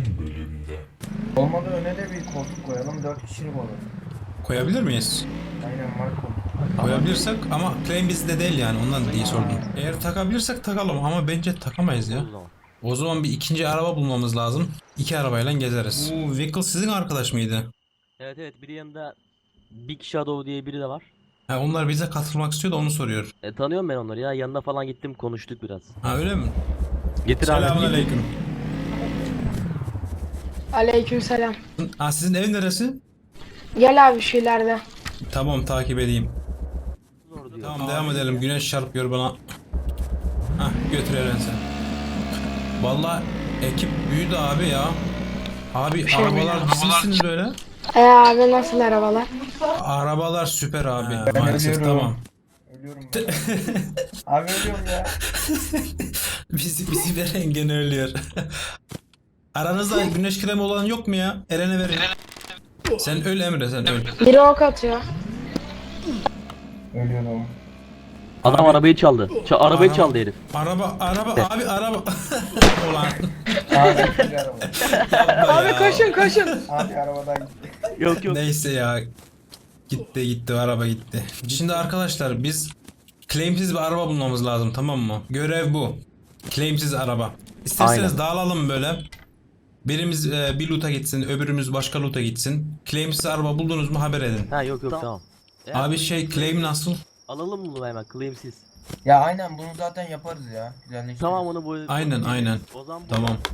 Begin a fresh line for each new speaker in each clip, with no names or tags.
bölümde.
Olmadı öne de bir koltuk koyalım, 4 kişilik olur.
Koyabilir miyiz?
Aynen var koltuk.
Koyabilirsek ama claim bizde değil yani ondan diye sordum. Eğer takabilirsek takalım ama bence takamayız ya.
O zaman.
O zaman bir ikinci araba bulmamız lazım. İki arabayla gezeriz. Bu vehicle sizin arkadaş mıydı?
Evet evet, biri yanında Big Shadow diye biri de var.
Ha, onlar bize katılmak istiyor da onu soruyor.
Tanıyorum ben onları ya, yanına falan gittim, konuştuk biraz.
Ha öyle mi?
Getir abi.
Selamünaleyküm.
Aleykümselam.
Ha, sizin ev neresi?
Gel abi şu ileride.
Tamam takip edeyim.
Zor diyor.
Tamam devam edelim. Güneş çarpıyor bana. Hah götür Eren sen. Vallahi ekip büyüdü abi ya. Abi
şey
arabalar dizilsiniz böyle.
Abi nasıl arabalar?
Arabalar süper abi.
Ben
Maalesef
ölüyorum.
tamam.
Ölüyorum ben. Abi ölüyorum ya.
Bizi veren gene ölüyor. Aranızda güneş kremi olan yok mu ya? Eren'e verin. Sen öl Emre sen öl.
Biri ok atıyor.
Ölüyorum.
Adam arabayı çaldı. Arabayı
Araba-
çaldı herif.
Araba abi araba. Ulan.
Abi bir araba.
yapma
Abi
ya.
koşun.
Abi arabadan gitti.
Yok yok.
Neyse ya. Gitti araba gitti. Şimdi arkadaşlar biz claimsiz bir araba bulmamız lazım tamam mı? Görev bu. Claimsiz araba. İsterseniz
Aynen.
dağılalım böyle. Birimiz bir loot'a gitsin, öbürümüz başka loot'a gitsin. Claimsiz araba buldunuz mu haber edin.
Ha yok yok, tamam.
Abi şey claim nasıl?
Alalım bunu hemen, claimsiz.
Ya aynen bunu zaten yaparız ya. Güzelleştiririz.
Tamam, onu bu.
Aynen.
O zaman bu.
Tamam.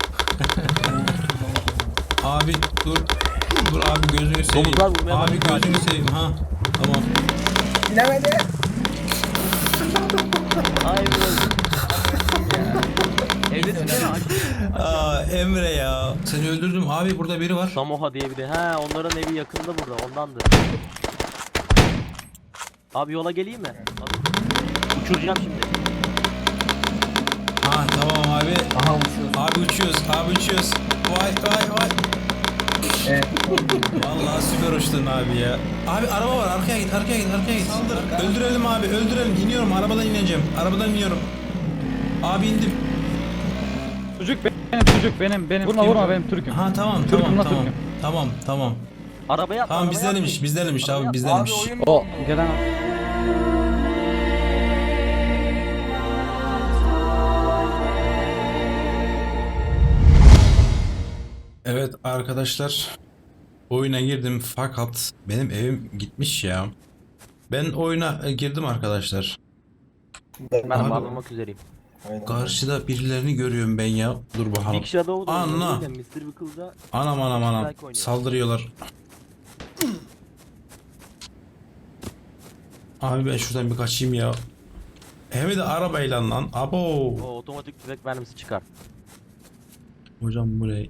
Abi dur. Dur abi gözünü seveyim.
Domuzlar vurmaya
Abi
başladı.
gözünü seveyim ha. Tamam.
Bilemedi.
Ay Evdesin değil mi?
Aa Emre ya. Seni öldürdüm abi burada biri var.
Samoha diye biri. He, onların evi yakında burada, ondandır. Abi yola geleyim mi? Abi, uçuracağım şimdi.
Ha tamam abi.
Aha uçuyoruz.
Abi uçuyoruz. Vay.
Evet.
Vallahi süper uçtun abi ya. Abi araba var arkaya git. Saldır. Öldürelim abi öldürelim. İniyorum arabadan ineceğim. Arabadan iniyorum. Abi indim.
Çocuk benim. Vurma benim Türk'üm.
Ha tamam.
Türk'üm.
Tamam.
Arabaya atla,
Tamam
arabaya
bizdenmiş
atla.
abi
Abi
bizdenmiş.
oyun
O
dondu.
gelen
Evet arkadaşlar. Oyuna girdim fakat benim evim gitmiş ya. Ben oyuna girdim arkadaşlar.
Ben
Abi-
bağlamak üzereyim.
Aynen.
Karşıda birilerini görüyorum ben ya. Dur bakalım.
Big Shadow da
Anla.
oynuyor, Mr. Wickle'da.
Anam.
Strike oynuyor.
Saldırıyorlar. Abi ben şuradan bir kaçayım ya. Hem de arabayla lan. Abo.
O otomatik tüfek mermisi çıkar.
Hocam bu ne?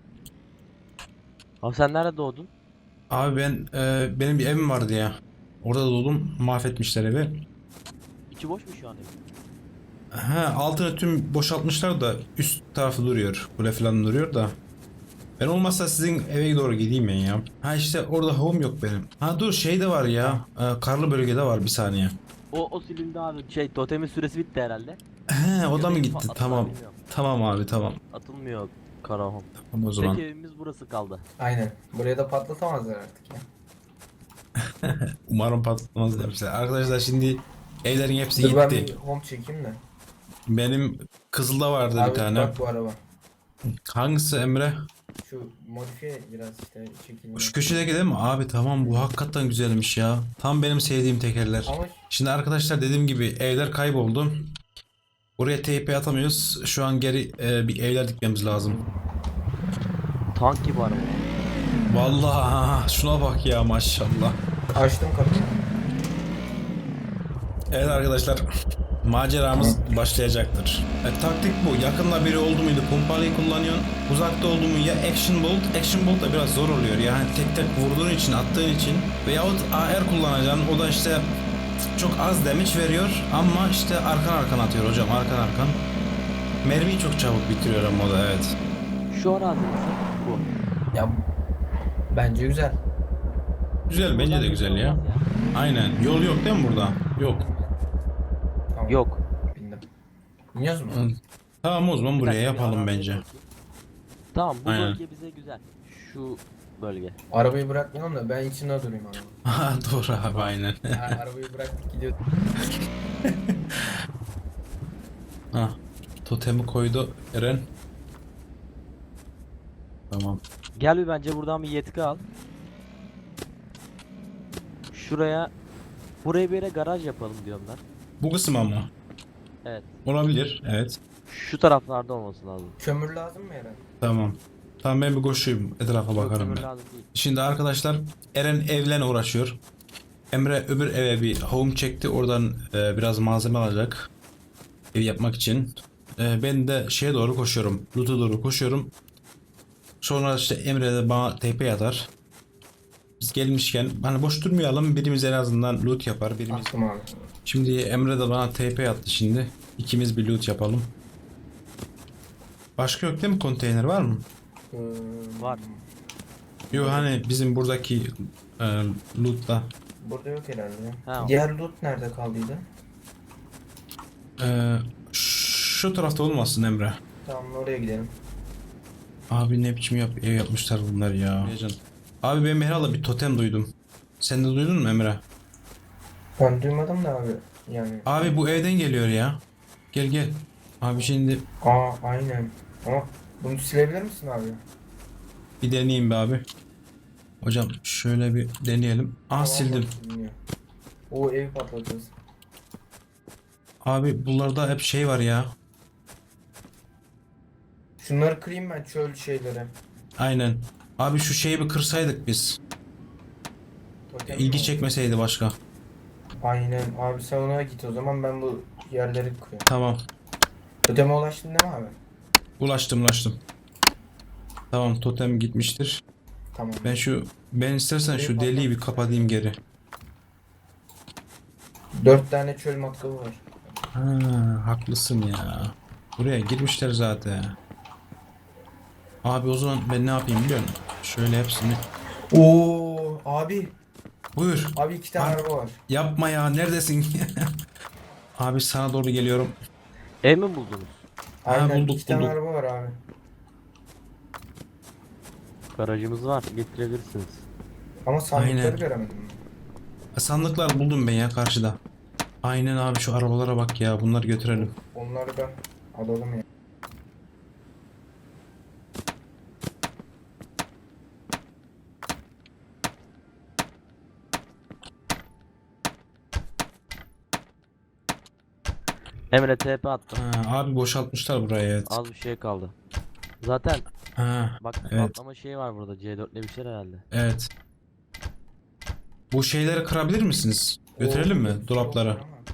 Abi sen nerede doğdun?
Abi ben benim bir evim vardı ya. Orada doğdum. Mahvetmişler evi.
İçi boş mu şu an ev?
He altını tüm boşaltmışlar da üst tarafı duruyor. Kule falan duruyor da. Ben olmazsa sizin eve doğru gideyim ben ya. Ha işte orada home yok benim. Ha dur şey de var ya. Karlı bölgede var bir saniye.
O silindi abi. Totemin süresi bitti herhalde.
He o da mı
Göbeği
gitti?
patlattılar,
Tamam.
bilmiyorum.
Tamam abi tamam.
Atılmıyor Karahom.
Tamam o zaman.
Tek evimiz burası kaldı.
Aynen. Buraya da patlatamazlar artık ya.
Umarım patlamaz demişler. Arkadaşlar şimdi evlerin hepsi
Dur ben
gitti.
bir home çekeyim de.
Benim Kızıl'da vardı
Abi
bir tane.
bak bu araba.
Hangisi Emre?
Şu modifiye biraz işte çekilmiş.
Şu köşedeki değil mi? Abi tamam bu hakikaten güzelmiş ya. Tam benim sevdiğim tekerler.
Ama
Şimdi arkadaşlar dediğim gibi evler kayboldu. Oraya TP atamıyoruz. Şu an geri bir evler dikmemiz lazım.
Tank gibi araba.
Vallahi şuna bak ya maşallah.
açtım kapıyı.
Evet arkadaşlar. Maceramız başlayacaktır. Taktik bu. Yakında biri oldu muydu pompalıyı kullanıyorsun. Uzakta oldu mu ya action bolt. Action bolt da biraz zor oluyor. Yani tek vurduğun için attığın için. Veyahut AR kullanacaksın. O da işte çok az damage veriyor. Ama işte arkan atıyor hocam. Arkan. Mermiyi çok çabuk bitiriyor ama o da evet.
Şu arazi nasıl? Bu.
Ya bence güzel.
Güzel bence de güzel ya. Aynen. Yol yok değil mi burada? Yok.
Tamam.
Yok.
Bindim. Biniyoruz mu?
Tamam o zaman
Bir
buraya
dakika, bir
yapalım
araziye
bence.
bakayım. Tamam bu
Aynen.
bölge bize güzel. Şu bölge.
Arabayı bırakmayalım da ben içinde durayım abi.
Ha, doğru abi aynen.
Arabayı bıraktık gidiyor.
Ha, totemi koydu Eren. Tamam.
Gel bir bence buradan bir yetki al. Buraya bir yere garaj yapalım diyorum ben.
Bu kısım ama.
Evet.
Olabilir. Evet.
Şu taraflarda olması lazım.
Kömür lazım mı Eren?
Tamam. Tamam ben bir koşuyum. Etrafa
Yok,
bakarım
kömür
ben.
lazım değil.
Şimdi arkadaşlar Eren evlen uğraşıyor. Emre öbür eve bir home çekti. Oradan biraz malzeme alacak. Ev yapmak için. Ben de şeye doğru koşuyorum. Loot'a doğru koşuyorum. Sonra işte Emre de bana TP atar. Biz gelmişken hani boş durmayalım. Birimiz en azından loot yapar. Birimiz.
Attım abi.
Şimdi Emre de bana TP attı şimdi. İkimiz bir loot yapalım. Başka yok değil mi? Konteyner var mı?
Var.
Yok hani bizim buradaki loot'ta.
Burada yok herhalde.
Ha.
Diğer loot nerede kaldıydı?
Şu tarafta olmasın Emre.
Tamam oraya gidelim.
Abi ne biçim ev yapmışlar bunlar ya. Abi ben herhalde bir totem duydum. Sen de duydun mu Emre?
Ben duymadım da abi. Yani.
Abi bu evden geliyor ya. Gel gel. Abi şimdi
Aynen. Ama bunu silebilir misin abi?
bir deneyeyim be abi. Hocam şöyle bir deneyelim.
Tamam,
Sildim.
siliniyor. O evi patlatırız.
Abi bunlarda hep şey var ya.
Şunları kırayım ben çöl şeyleri.
Aynen. Abi şu şeyi bir kırsaydık biz.
Totem
İlgi
mi?
çekmeseydi başka.
Aynen abi sen ona git o zaman ben bu yerleri kırıyorum.
Tamam.
Toteme ulaştın değil mi abi?
Ulaştım. Tamam totem gitmiştir.
Tamam.
Ben istersen şu deliği bir kapatayım geri.
4 tane çöl matkabı var.
Ha, haklısın ya. Buraya girmişler zaten. Abi o zaman ben ne yapayım biliyor musun? Şöyle hepsini.
Oo abi.
Buyur.
Abi 2 tane
Abi.
araba var.
Yapma ya neredesin? Abi sana doğru geliyorum.
Ev mi buldunuz?
Aynen
bulduk,
2 tane
bulduk.
araba var abi.
Garajımız var. Getirebilirsiniz.
Ama sandıkları
Aynen.
göremedim.
Sandıklar buldum ben ya karşıda. Aynen abi şu arabalara bak ya bunları götürelim.
Onları da alalım ya.
Emre TP attım.
Ha, abi boşaltmışlar burayı evet.
Az bir şey kaldı. Zaten
Ha,
bak
evet.
patlama şeyi var burada. C4'le bir şey herhalde.
Evet. Bu şeyleri kırabilir misiniz? Götürelim mi
Oo,
dolaplara?
çok var ama.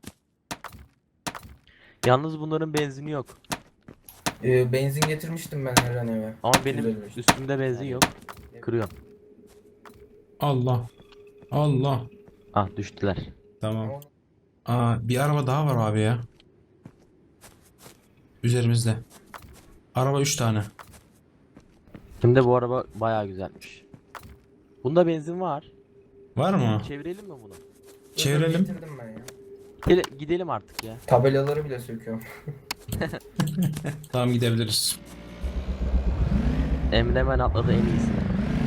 Yalnız bunların benzini yok.
Benzin getirmiştim ben Eren eve.
Ama benim
255.
üstümde benzin yok. Kırıyorum.
Allah. Allah.
Ah düştüler.
Tamam. Bir araba daha var abi ya. Üzerimizde. Araba 3 tane.
Şimdi bu araba bayağı güzelmiş. Bunda benzin var.
Var mı?
Çevirelim mi bunu?
Çevirelim.
Getirdim ben ya.
Gidelim artık ya.
Tabelaları bile söküyorum.
Tamam gidebiliriz.
Emre hemen atladı en iyisini.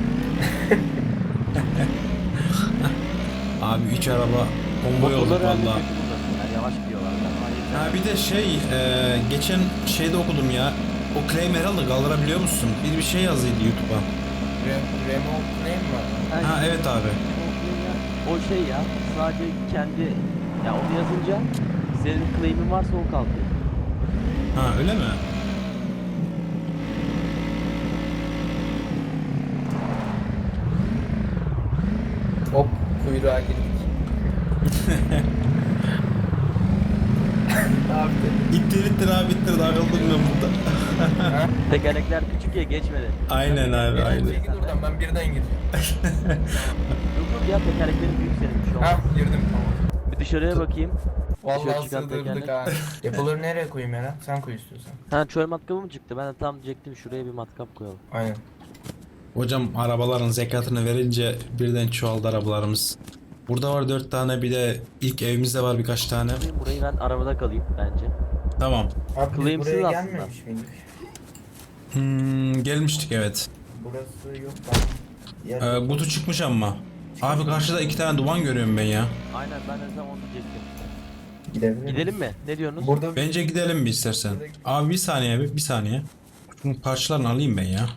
Abi 3 araba konvoy olduk
Motorları herhalde
valla.
kötü bunların. Yani yavaş gidiyorlar.
Ha bir de geçen şeyde okudum ya. O claim herhalde kaldırabiliyor musun? Bir şey yazıydı YouTube'a.
Remote name var.
Ha evet abi.
O şey ya sadece kendi ya onu yazınca senin claim'in varsa o kalkıyor.
Ha öyle mi?
Hop kuyruğa girdik. Ne yaptın?
İttir abi takıldım ben burada.
Tekerlekler küçük ya geçmedi.
Aynen abi aynen.
Git oradan ben birden gireceğim.
Yok ya tekerleklerin büyük senin şu
Ha
an.
girdim tamam.
Bir dışarıya bakayım. Dışarı
Vallahi
çıkan
sığdırdık
tekerlek.
ha. Depoları nereye koyayım Eren? Sen koy istiyorsan.
Ha çöl matkabı mı çıktı? Ben de tam diyecektim şuraya bir matkap koyalım.
Aynen.
Hocam arabaların zekatını verince birden çoğaldı arabalarımız. Burada var 4 tane bir de ilk evimizde var birkaç tane.
Burayı ben arabada kalayım bence.
Tamam.
Abi biz
Claimsiz
buraya
aslında.
gelmemiş miydik?
Gelmiştik evet.
Burası yok lan.
Kutu çıkmış ama. Abi karşıda 2 tane duman görüyorum ben ya.
Aynen ben de zaman diyecektim.
Gidebilir
Gidelim mi? Ne diyorsunuz?
Burada
Bence gidelim bir istersen. Abi bir saniye bir saniye. Şunun parçalarını alayım ben ya.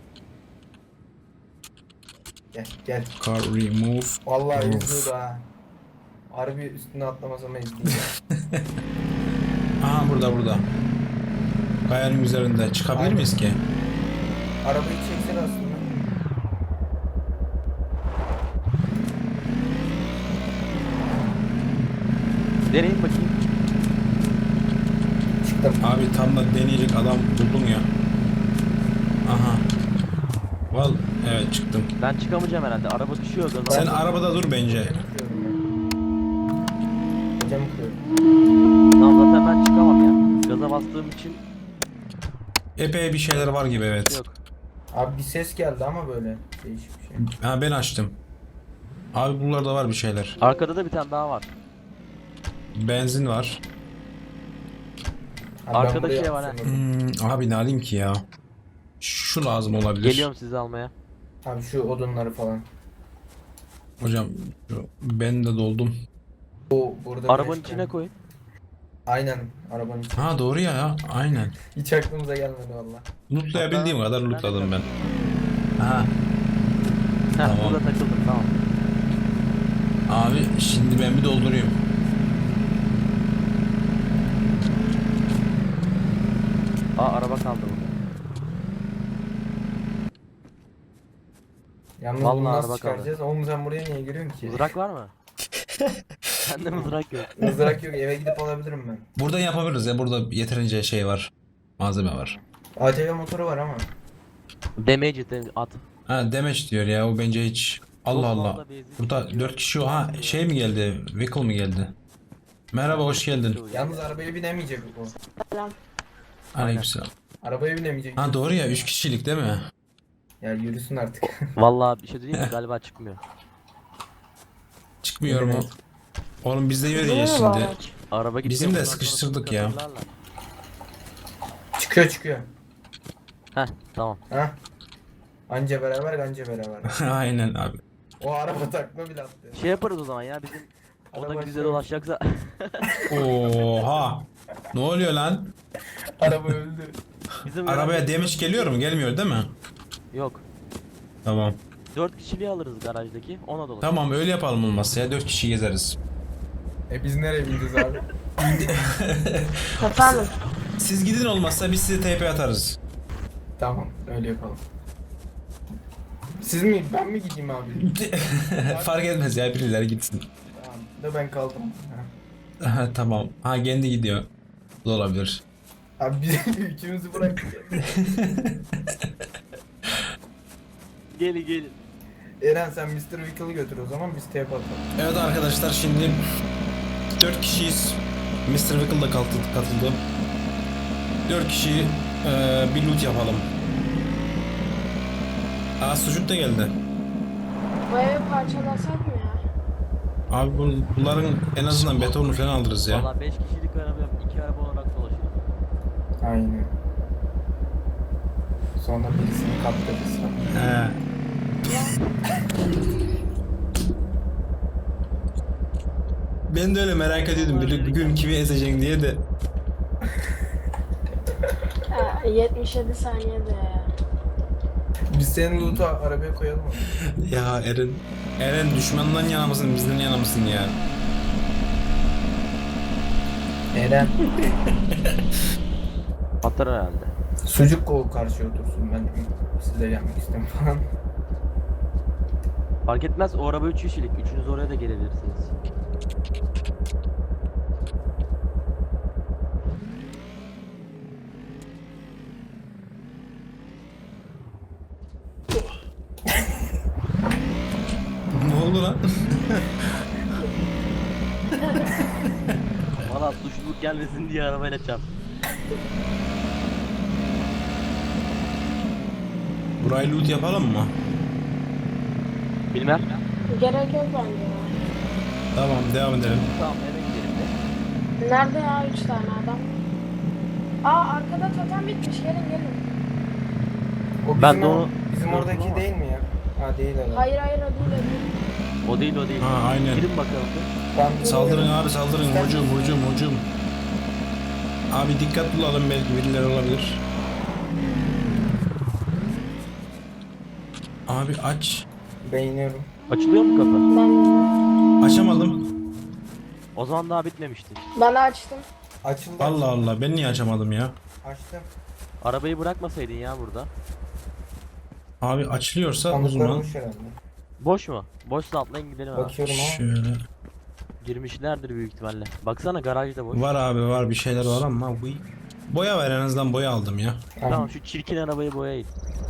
Gel gel.
Car remove.
Vallahi
Of.
izliyordu ha. Harbi üstüne atlamasam izleyeyim.
Aha burada. Kayanın üzerinde. Çıkabilir
Aynen.
miyiz ki?
Arabayı çeksen aslında.
Deneyin bakayım.
Çıktım.
Abi tam da deneyecek adam buldum ya. Aha. Evet çıktım.
Ben çıkamayacağım herhalde. Araba düşüyor gaza.
Sen arabada dur bence.
Hocam kırıyorum.
Tamam zaten ben çıkamam ya. Gaza bastığım için
Epey bir şeyler var gibi evet.
yok.
Abi bir ses geldi ama böyle değişik bir şey.
Ha ben açtım. Abi buralarda var bir şeyler.
Arkada da bir tane daha var.
Benzin var.
Abi ben
Arkada
buraya
şey var ha.
atsam olur.
Abi ne alayım ki ya? Şu lazım olabilir.
Geliyorum sizi almaya.
Abi şu odunları falan.
Hocam ben de doldum.
Bu burada
Arabanın
güneş
içine
var.
koyun.
Aynen arabanın içine.
Ha doğru ya aynen.
Hiç aklımıza gelmedi valla.
Lootlayabildiğim
Hatta-
kadar lootladım ben. Aha.
Heh,
Tamam.
burada takıldım tamam.
Abi şimdi ben bir doldurayım.
Araba kaldı burada.
Yalnız
Vallahi
bunu nasıl
araba
çıkaracağız? Oğlum sen buraya niye giriyorsun ki?
Mızrak var mı? Sende mızrak yok.
Mızrak yok, eve gidip alabilirim ben.
Buradan yapabiliriz ya, burada yeterince şey var. Malzeme var.
ATV motoru var ama.
Damage at.
Ha demeç diyor ya, o bence hiç. Allah
Çok
Allah.
fazla benzin
Burada
tüketiyor.
4 kişi, ha şey mi geldi? Vehicle mi geldi? Merhaba, hoş geldin.
Yalnız arabaya binemeyecek bu.
Selam.
Aleykümselam.
Arabaya binemeyecek.
Ha doğru ya, 3 kişilik değil mi?
Ya yürüsün artık.
Vallahi bir şey diyeyim mi? Galiba çıkmıyor.
Çıkmıyor mu?
Evet.
Oğlum biz de
Değil mi
yürüyeceğiz
bu
şimdi.
araç?
Araba gidiyor.
Bizim de
bundan sonra
sıkıştırdık ya.
katırlarlar.
Çıkıyor.
Heh tamam.
Ha? Anca beraber.
Aynen abi.
O araba takma bile attı.
Şey yaparız o zaman ya bizim o
Araba
da bize
şey-
dolaşacaksa
Oha. Ne oluyor lan?
Araba öldü.
bizim
Arabaya demiş geliyor mu? Gelmiyor değil mi?
Yok.
Tamam.
4 kişiliği alırız garajdaki. Ona dolaşırız.
Tamam öyle yapalım olmazsa ya, 4 kişi gezeriz.
Biz nereye bineceğiz abi?
Efendim.
Siz gidin, olmazsa biz size TP atarız.
Tamam öyle yapalım. Siz mi? Ben mi gideyim abi?
Fark etmez ya, birileri gitsin.
Tamam. Da ben kaldım. Ha.
Tamam. Ha kendi gidiyor. Bu da olabilir.
Abi biz üçümüzü bıraktık.
Gelin.
Eren sen Mr. Wickle'ı götür o zaman biz TP atalım.
Evet arkadaşlar, şimdi 4 kişiyiz. Mr. Wickle da katıldı. 4 kişi bir loot yapalım. Aa, sucuk da geldi.
Bu evi parçalasak mı ya?
Abi bunların en azından betonunu falan alırız ya.
Valla 5 kişilik araba 2 araba olarak dolaşırız.
Aynen. Sonra birisini kaptırırız.
He. Ben de öyle merak ediyordum, bir gün kimi ezeceksin diye de.
Ha, 77 saniyede ya.
Biz senin loot'u arabaya koyalım mı?
Ya Eren düşmandan yana mısın, bizden yana mısın ya?
Eren.
Atar herhalde.
Sucuk kol karşıya otursun, ben size gelmek istemem falan.
Fark etmez o araba 3 kişilik. Üçünüz oraya da gelebilirsiniz.
Ne oldu lan?
Valla suçluluk gelmesin diye arabayla çarp.
Burayı loot yapalım mı?
Bilmem.
Gerek yok bence ya.
Tamam, devam edelim.
Tamam eve gidelim de.
Nerede ya 3 tane adam? Aa arkada totem bitmiş, gelin.
O bizim,
Ben de onu
bizim
gördüm
oradaki
ama.
değil mi ya? Ha değil herhalde.
Hayır hayır o değil o değil.
O değil o değil.
Ha, aynen.
Girin bakalım.
Ben
Saldırın abi saldırın. Hücum. Abi dikkat bulalım, belki birileri olabilir. Abi aç.
beğeniyorum.
Açılıyor mu kapı?
Ben
Açamadım.
O zaman daha bitmemişti.
bana açtım.
Açıldı.
Allah Allah, ben niye açamadım ya?
Açtım.
Arabayı bırakmasaydın ya burada.
Abi açılıyorsa o
Sandıklar
zaman
boş herhalde.
Boş mu? Boşsa atlayın gidelim abi.
Bakıyorum ama.
şöyle.
Girmişlerdir büyük ihtimalle. Baksana garajda boş.
Var abi var, bir şeyler var ama bu boya var, en azından boya aldım ya.
Tamam şu çirkin arabayı boyayın.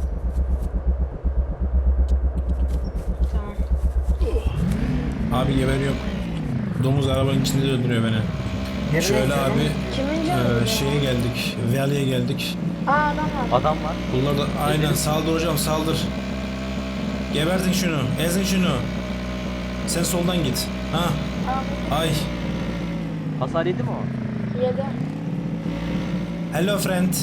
Tamam.
Abi geberiyorum. Domuz arabanın içinde de öldürüyor beni.
Nereye
Şöyle
gidiyorum?
abi
Kimin canı?
şeye geldik. Valley'e geldik.
Aa adam var.
Adam var.
Bunlar da aynen, saldır hocam saldır. Gebertin şunu, ezin şunu. Sen soldan git. Ha,
Aa
ay.
Hasar yedi mi o?
bu 7.
Hello friend.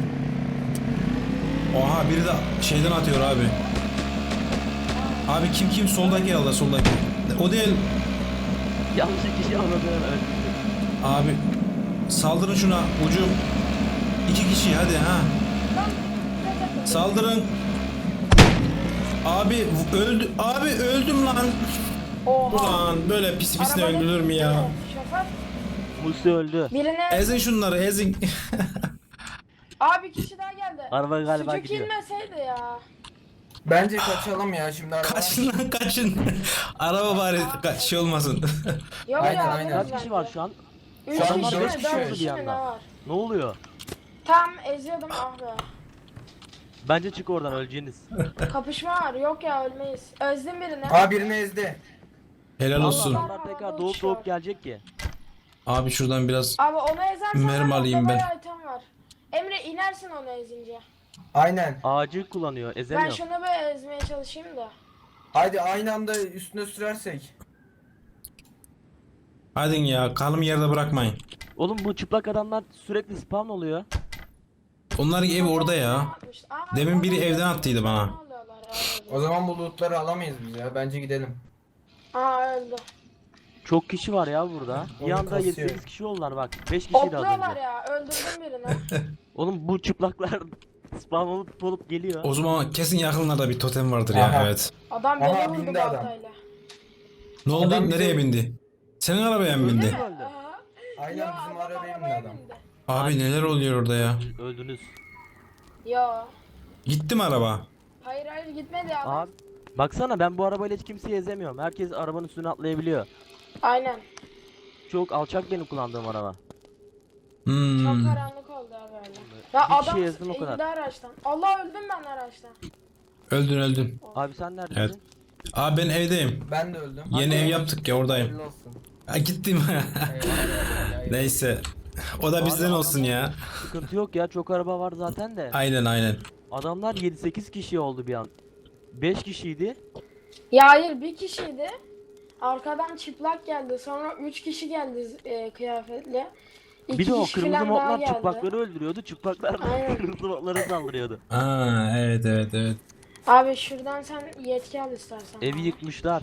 Oha, biri de şeyden atıyor abi. Abi kim soldaki Allah, soldaki. O değil.
Yanlış kişi anladı. Evet.
Abi saldırın şuna ucum. 2 kişi hadi ha. Saldırın. Abi öldü. Abi öldüm lan.
Oha.
Ulan böyle pis pisine
Arabanın
öldürür mü ya?
Şoför.
Musi öldü.
Birine
Ezin şunları, ezin.
abi kişi daha geldi.
Araba galiba
Sucuk
gidiyor.
inmeseydi ya.
Bence kaçalım ya şimdi araba.
Kaçın lan kaçın. Araba bari kaç şey olmasın.
Yok
Aynen,
ya.
aynen.
Kaç kişi var şu an?
3
Şu an
kişi
dört
mi?
kişi
4
var.
kişi mi ne var?
Ne oluyor?
Tam eziyordum ah be.
Bence çık oradan, öleceğiniz.
Kapışma var. Yok ya ölmeyiz. Özledim birini.
Aa birini ezdi.
Helal olsun.
Adamlar tekrar doğup gelecek ki.
Abi şuradan biraz
Abi onu ezersen
mermi
var,
alayım
orada
ben.
bayağı item var. Emre inersin onu ezince.
Aynen.
Ağacı kullanıyor,
Ben
ezemiyor.
şunu böyle ezmeye çalışayım da.
Haydi aynı anda üstüne sürersek.
hadi ya, kalım yerde bırakmayın.
Oğlum bu çıplak adamlar sürekli spawn oluyor.
Onların evi orada ya.
Aa,
Demin biri
onu
evden
ezdim.
attıydı bana.
Ne oluyorlar ya?
O zaman bu lootları alamayız biz ya. Bence gidelim.
Aa öldü.
Çok kişi var ya burada. Bir
Oyun
anda
kasıyor.
7-8 kişi oldular bak. 5 kişiydi az
Hopluyorlar
önce.
ya. Öldürdüm birini.
Oğlum bu çıplaklar spawn olup geliyor.
O zaman kesin yakınlarda bir totem vardır ya,
Aha.
evet.
Adam
Aha,
beni vurdu
bindi adam.
baltayla.
Ne oldu?
Adam bize-
Nereye bindi? Senin arabaya mı bindi?
Öldü mü öldü?
Aha.
Aynen
Ya,
bizim
adam
arabaya bindi
arabaya
adam.
bindi.
Abi neler oluyor orada ya?
Öldünüz.
Yo.
Gitti mi araba?
Hayır hayır gitmedi adam.
Abi baksana, ben bu arabayla hiç kimseyi ezemiyorum. Herkes arabanın üstüne atlayabiliyor.
Aynen.
Çok alçak benim kullandığım araba.
Çok
Hmm.
karanlık oldu abi öyle. Ya
Bir kişi
adam
ezdim o kadar.
indi araçtan. Allah öldüm ben araçtan.
Öldün.
Abi sen neredesin?
Evet. Abi ben evdeyim.
Ben de öldüm.
Yeni ev yaptık ya, oradayım.
Hayırlı olsun.
Ha, gittim. Neyse. O da bizden olsun ya.
Sıkıntı yok ya, çok araba var zaten de.
Aynen.
Adamlar 7-8 kişi oldu bir an. 5 kişiydi.
Ya hayır bir kişiydi. Arkadan çıplak geldi. Sonra 3 kişi geldi kıyafetli. İki
Bir de o
kişi
kırmızı
falan daha
modlar
geldi.
çıplakları öldürüyordu. Çıplaklar da
Aynen.
kırmızı modlara saldırıyordu.
Aa, evet.
Abi şuradan sen yetki al istersen.
Evi yıkmışlar.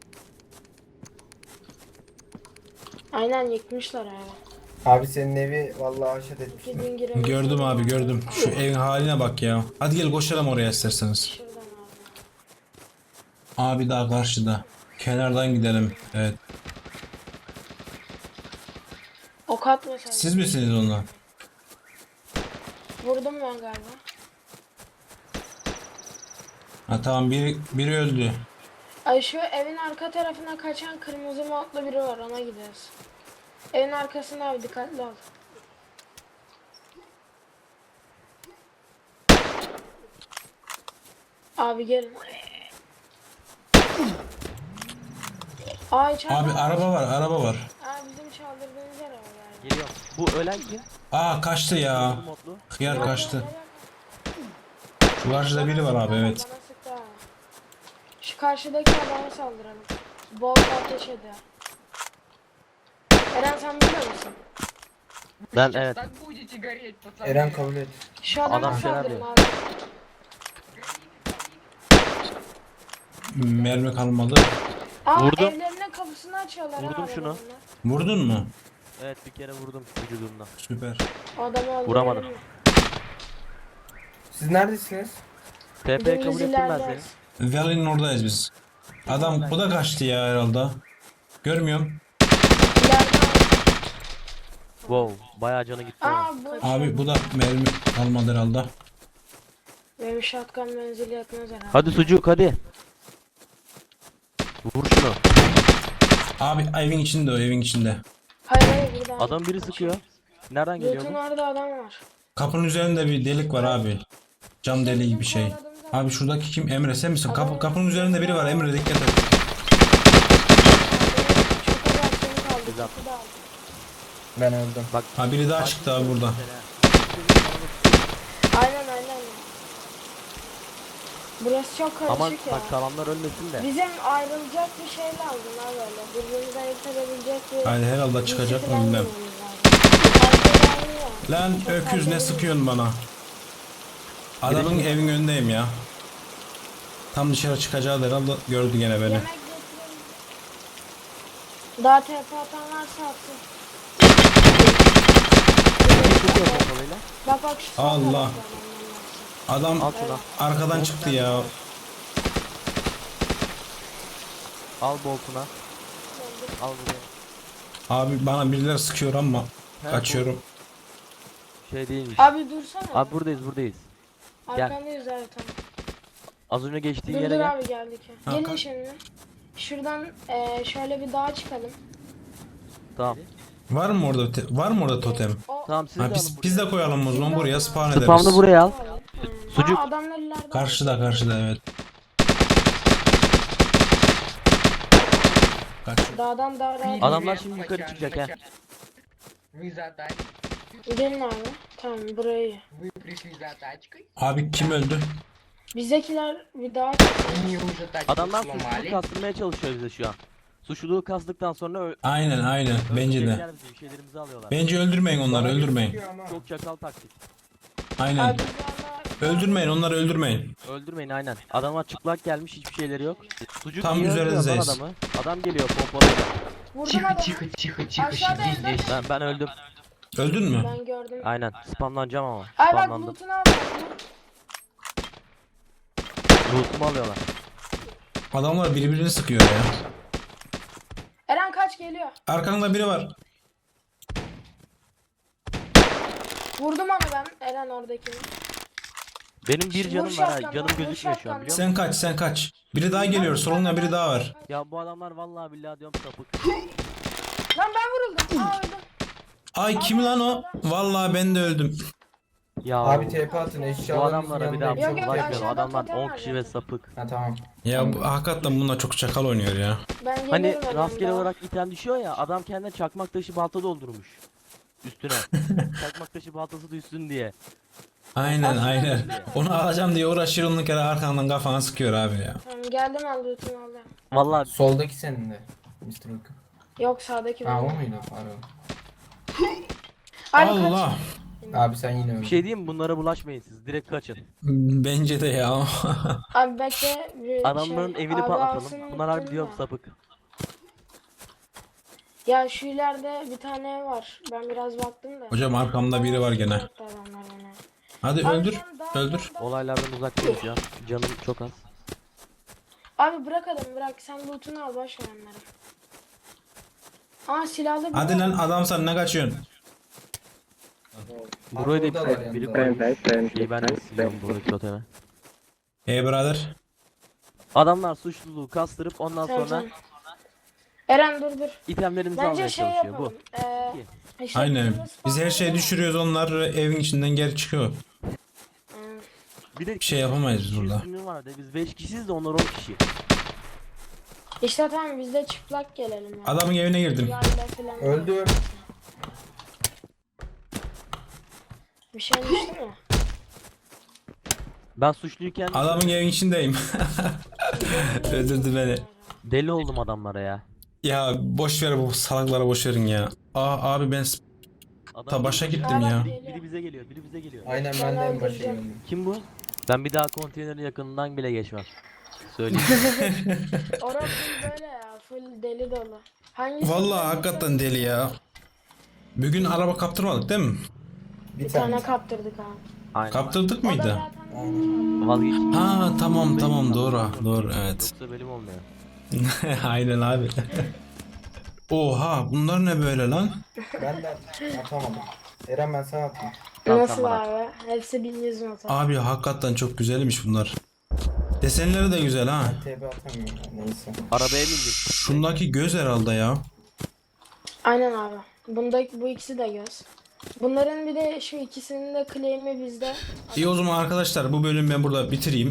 Aynen yıkmışlar abi.
Abi senin evi vallahi haşet etmiş.
Gidin girelim.
Gördüm abi, gördüm. Şu evin haline bak ya. Hadi gel koşalım oraya isterseniz.
Şuradan abi.
Abi daha karşıda. Kenardan gidelim. Evet.
Ok atma sen.
Siz misiniz onlar?
Vurdum ben galiba.
Ha tamam, biri öldü.
Ay şu evin arka tarafına kaçan kırmızı modlu biri var, ona gidiyoruz. Evin arkasında abi dikkatli ol. Abi gelin. Ay içeride.
Abi araba var.
Aa bizim çaldırdığımız araba yani.
Geliyorum. Bu ölen kim?
Aa, kaçtı ya.
Kırmızı modlu.
Hıyar kaçtı. Şu karşıda biri var abi, evet.
Bana sıktı ha. Şu karşıdaki adama saldıralım. Bol ateş ediyor. Eren sen biliyor musun?
Ben evet.
Eren kabul et.
Şu adama
Adam şeyler
saldırın
diyor.
abi.
mermi kalmadı.
Aa,
Vurdum.
evlerinin kapısını açıyorlar.
Vurdum
ha,
şunu.
adamlar.
Vurdun mu?
Evet bir kere vurdum vücudumdan.
Süper.
Adamı öldürelim
Vuramadım.
mi?
Siz neredesiniz?
TP'yi kabul
Dümdüz
ettim ben
ilerleriz.
seni.
Valley'nin oradayız biz. Adam bu da kaçtı ya herhalde. Görmüyorum.
İleride.
Wow bayağı canı gitti.
Aa
onun.
bu
Abi bu da mermi kalmadı herhalde.
benim shotgun menzili yetmez herhalde.
Hadi sucuk hadi. Vur şunu.
Abi evin içinde o evin içinde.
Hayır burada.
Adam biri sıkıyor. Nereden geliyor
Loot'un
bu?
orada adam var.
Kapının üzerinde bir delik var abi. Cam deliği gibi bir şey. Abi şuradaki kim? Emre sen misin? Kapının üzerinde biri var. Emre dikkat et.
Çok az aksiyonu kaldı.
Güzel.
Kutu da aldı.
Ben öldüm.
Bak.
Ha biri daha çıktı abi burada.
Aynen. Burası çok karışık
Aman
ya.
bak kalanlar ölmesin de.
Bizim ayrılacak bir şey lazım ha böyle. Birbirimizi ayırt edebilecek bir...
Haydi herhalde çıkacak mı
birisi
bilmem.
falan bulmamız lazım.
Lan
Çok
öküz ne
fazla
sıkıyorsun bana? Adamın evin önündeyim ya. Tam dışarı çıkacağı herhalde gördü gene beni.
Yemek getirelim. Daha TP atan varsa atsın.
Sıkıyor pompalıyla.
Bak şu son
Allah.
tarafta adamlar var.
Adam
Al şunu.
arkadan çıktı ya.
Al boltuna. Al buraya.
Abi bana birileri sıkıyor ama
He,
kaçıyorum.
Şey değilmiş.
Abi dursana.
Abi buradayız. gel.
Arkandayız zaten.
Az önce geçtiğin
Dur
yere
dur
gel.
abi geldik.
Ha,
Gelin
kalk.
şimdi. Şuradan şöyle bir dağa çıkalım.
Tamam.
Var mı orada var mı orada totem?
O
Tamam siz de
Ha,
alın
biz de koyalım o zaman buraya spawn ederiz.
Spamını buraya al. Sucuk.
Aa, adamlar ileride.
Karşıda evet. Kaç.
Dağdan dağa dağa.
Adamlar şimdi yukarı çıkacak he.
Вы за
Gelin abi. Tamam burayı.
Вы пришли за тачкой,
Abi kim öldü?
Bizdekiler bir dağa çıktı.
мне уже тачку
Adamlar suçluluğu
сломали.
kastırmaya çalışıyor bize şu an. Suçluluğu kastıktan sonra
Aynen bence de.
öldürecekler bizi, bir şeylerimizi alıyorlar.
Bence öldürmeyin onları öldürmeyin.
Çok çakal taktik.
Aynen.
Abi biz valla...
Öldürmeyin onları öldürmeyin.
Öldürmeyin aynen. Adamlar çıplak gelmiş hiçbir şeyleri yok. Sucuk
Tam
niye öldürüyor lan
üzerinizdeyiz.
adamı? Adam geliyor pompalıyla.
Vurdum
Тихо,
adamı.
тихо, тихо, тихо,
Aşağıda
сиди
evde.
здесь.
Ben öldüm.
Öldün mü?
Ben gördüm.
Aynen. Spamlanacağım ama.
Ay bak
Spamlandım.
loot'unu al.
Loot'umu alıyorlar.
Adamlar birbirini sıkıyor ya.
Eren kaç geliyor.
Arkanda biri var.
Vurdum onu ben. Eren oradakini.
Benim bir
Vur
canım var ha.
şapkandan,
Canım
vur
gözükmüyor şu an
şapkandan.
biliyor musun?
Sen kaç. Biri daha geliyor. Solunda biri daha var.
Ya bu adamlar vallahi billahi diyorum sapık.
Lan ben vuruldum. Aa öldüm.
Ay kim lan o? Vallahi ben de öldüm.
Ya
Abi TP atın
bu
eşyalarınızın
adamlara bir daha
yanındayım.
Yok, yok,
bulaşmayalım.
aşağıda
Adamlar
totem
10
var
kişi ve
zaten.
sapık.
Ha tamam.
Ya bu, hakikaten bunlar çok çakal oynuyor ya.
Ben geliyorum
Hani
Eren
rastgele
daha.
olarak item düşüyor ya adam kendine çakmak taşı balta doldurmuş. Üstüne. Çakmak taşı baltası düşsün diye.
Aynen. Onu alacağım diye uğraşıyor onun kere arkandan kafana sıkıyor abi ya.
Tamam geldim al loot'unu aldım.
Vallahi
Soldaki senin de. Mr. Hook.
Yok sağdaki
Ha o
benim.
muydu? Pardon.
Abi kaç.
Allah.
Abi sen yine öldün.
bir şey diyeyim mi? Bunlara bulaşmayın siz. Direkt kaçın.
Bence de ya.
Abi bekle. Bir
Adamların
şey,
evini
abi alsın
patlatalım. Bunlar harbi
unuttum
diyorum
da.
sapık.
Ya şu ileride bir tane ev var. Ben biraz baktım da.
Hocam arkamda biri var gene.
Yaptı adamlar bana.
Hadi
Abi
öldür.
sen daha-
Öldür.
Olaylardan uzaktayız ya. Canım çok az.
Abi bırak adamı bırak. Sen loot'unu al boş ver onları. Aa silahlı bir
Hadi lan adam sen ne kaçıyorsun?
Burayı da
burada var
biri
yanında.
koymuş. Şeyi ben de siliyorum buradaki totemi.
Hey brother.
Adamlar suçluluğu kastırıp ondan sonra
Sercan. Eren dur.
itemlerimizi
Bence
almaya
şey
çalışıyor
yapalım.
bu.
İşte
Aynen.
bizim
Biz her şeyi düşürüyoruz onlar evin içinden geri çıkıyor.
Bir de
Bir şey yapamayız biz burada.
üstünlüğü var de biz 5 kişiyiz de onlar 10 kişi.
İşte tamam biz de çıplak gelelim ya.
Adamın evine girdim.
Yayla falan.
Öldüm.
Bir şey düştü mü?
Ben suçluyken
Adamın evin içindeyim. Öldürdü beni.
deli oldum adamlara ya.
Ya boş ver bu salaklara boş verin ya. Abi ben
Adam
başa
geliyor.
gittim ya.
Biri bize geliyor, biri bize geliyor.
Aynen ben de en başa
öldüreceğim.
geldim.
Kim bu? Ben bir daha konteynerin yakınından bile geçmem. Söyleyeyim.
Orası full böyle ya. Full deli dolu. Hangisi?
Vallahi hakikaten deli ya. Bugün araba kaptırmadık değil mi?
Bir
Tane
tane.
kaptırdık abi.
Aynen.
Kaptırdık
O da
mıydı?
zaten
Aynen.
Vazgeçtim.
Ha tamam doğru evet.
Yoksa bölüm olmuyor.
Aynen abi. Oha bunlar ne böyle lan?
Ben de atamadım. Eren ben sana atayım.
Tamam,
nasıl
sen bana
abi? Hepsi 1100 motor.
Abi hakikaten çok güzelmiş bunlar. Desenleri de güzel ha.
TP atamıyorum ya, neyse.
Arabaya bindik.
Şundaki göz herhalde ya.
Aynen abi. Bu ikisi de göz. Bunların bir de şu ikisinin de claim'i bizde.
İyi o zaman arkadaşlar bu bölümü ben burada bitireyim.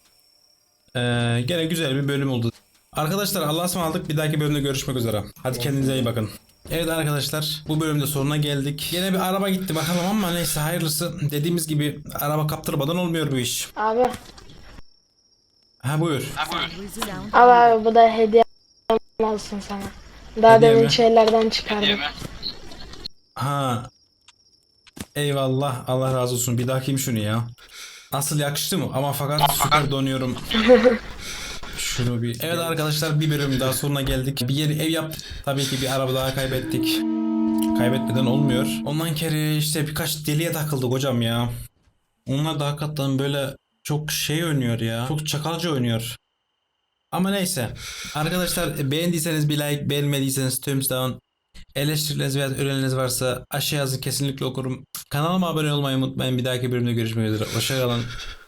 Gene güzel bir bölüm oldu. Arkadaşlar Allah'a ısmarladık. Bir dahaki bölümde görüşmek üzere. Hadi kendinize iyi bakın. Evet arkadaşlar bu bölümde sonuna geldik. Gene bir araba gitti bakalım ama neyse hayırlısı. Dediğimiz gibi araba kaptırmadan olmuyor bu iş.
Abi.
Ha buyur.
Abi bu da hediye olsun sana. Daha
Hediye
demin
mi?
şeylerden çıkardım.
Ha. Eyvallah Allah razı olsun. Bir dahakiyim şunu ya. Nasıl yakıştı mı? Ama fakat süper donuyorum. Şunu bir. Evet arkadaşlar bir bölüm daha sonuna geldik. Bir yeri ev yaptık. Tabii ki bir araba daha kaybettik. Kaybetmeden olmuyor. Ondan kere işte birkaç deliye takıldık hocam ya. Onlar da hakikaten böyle çok şey oynuyor ya. Çok çakalca oynuyor. Ama neyse. Arkadaşlar beğendiyseniz bir like, beğenmediyseniz thumbs down. Eleştirileriniz veya önerileriniz varsa aşağı yazın kesinlikle okurum. Kanalıma abone olmayı unutmayın. Bir dahaki bölümde görüşmek üzere. Hoşçakalın.